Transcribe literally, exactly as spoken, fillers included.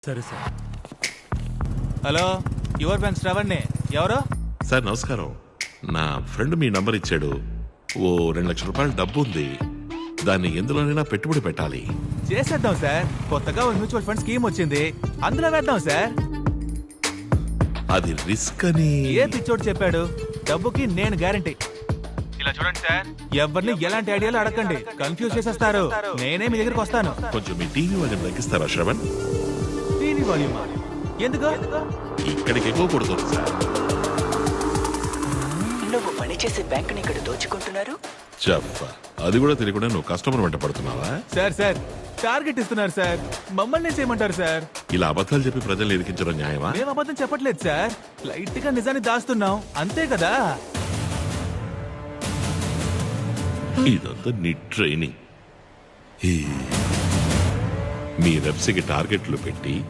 సరే sir. Hello, your bank శ్రవణ్ణి. ఎవరు సార్? నమస్కారం. నా ఫ్రెండ్ మీ నంబర్ ఇచ్చాడు. ఓ రెండు లక్షల రూపాయల డబ్బు ఉంది, దాన్ని ఎందులోనైనా పెట్టుబడి పెట్టాలి. చేసేద్దాం సార్. కొత్తగా ఒక మ్యూచువల్ ఫండ్ స్కీమ్ వచ్చింది, అందులో వేద్దాం సార్. అది రిస్క్ అని ఏ పిచ్చోడు చెప్పాడు? డబ్బుకి నేను గ్యారంటీ. ఇలా చూడండి సార్, ఎవరిని ఎలాంటి ఐడియాలు అడగండి, కన్ఫ్యూజ్ చేసేస్తారు. నేనే మీ దగ్గరికి వస్తాను. కొంచెం మీ టీవీ వాల్యూమ్ తగ్గిస్తారా శ్రవణ్? టీవీ వాల్యూమా? ఎందుకు? ఇక్కడికి ఎక్కువ కొడుతుంది సార్. నువ్వు పనిచేసే బ్యాంకుని ఇక్కడ దోచుకుంటున్నారు. చెప్ప అది కూడా తెలియకుండా నువ్వు కస్టమర్ వెంట పడుతున్నావా? సార్ సార్ టార్గెట్ ఇస్తున్నారు సార్, మమ్మల్ని ఏం చేయమంటారు సార్? ఇలా అబద్ధాలు చెప్పి ప్రజలు ఇరికించడం న్యాయమా? మేము అబద్ధం చెప్పట్లేదు సార్, లైట్ గా నిజాన్ని దాస్తున్నాం అంతే కదా. ఇదంతా నీ ట్రైనింగ్. ఈ మీ వెబ్సైట్ టార్గెట్లు పెట్టి